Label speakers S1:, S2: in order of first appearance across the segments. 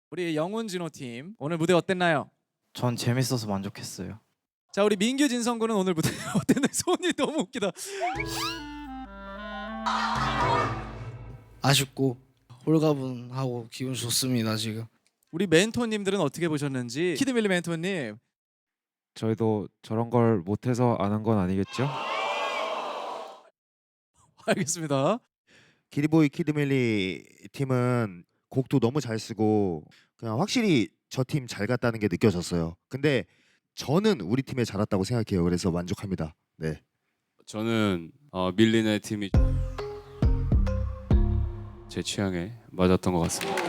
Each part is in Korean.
S1: 우리 영훈 진호 팀 오늘 무대 어땠나요?
S2: 전 재밌어서 만족했어요.
S1: 자 우리 민규 진성군은 오늘 무대 어땠나요? 손이 너무 웃기다.
S3: 아쉽고 홀가분하고 기분 좋습니다 지금.
S1: 우리 멘토님들은 어떻게 보셨는지 키드밀리 멘토님.
S4: 저희도 저런 걸 못해서 안 한 건 아니겠죠?
S1: 알겠습니다.
S5: 기리보이 키드밀리 팀은 곡도 너무 잘 쓰고 그냥 확실히 저 팀 잘 갔다는 게 느껴졌어요. 근데 저는 우리 팀에 잘 왔다고 생각해요. 그래서 만족합니다. 네.
S6: 저는 밀리네 팀이 제 취향에 맞았던 것 같습니다.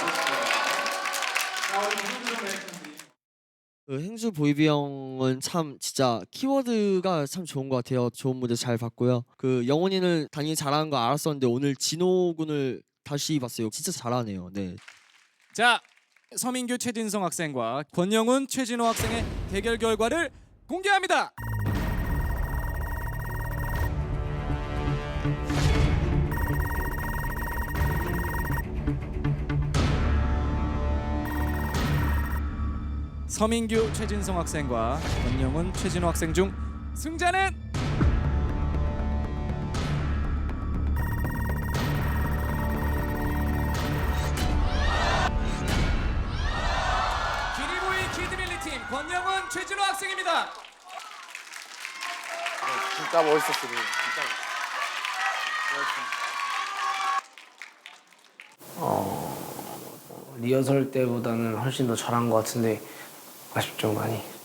S7: 그 행수 보이비 형은 참 진짜 키워드가 참 좋은 것 같아요. 좋은 무대 잘 봤고요. 그 영훈이는 당연히 잘하는 거 알았었는데 오늘 진호 군을 다시 봤어요. 진짜 잘하네요. 네.
S1: 자 서민규 최진성 학생과 권영훈 최진호 학생의 대결 결과를 공개합니다. 서민규 최진성 학생과 권영훈 최진호 학생 중 승자는 기리보이 키드밀리 팀 권영훈 최진호 학생입니다.
S3: 진짜 멋있었어요. 리허설 때보다는 훨씬 더 잘한 것 같은데 아쉽죠 많이.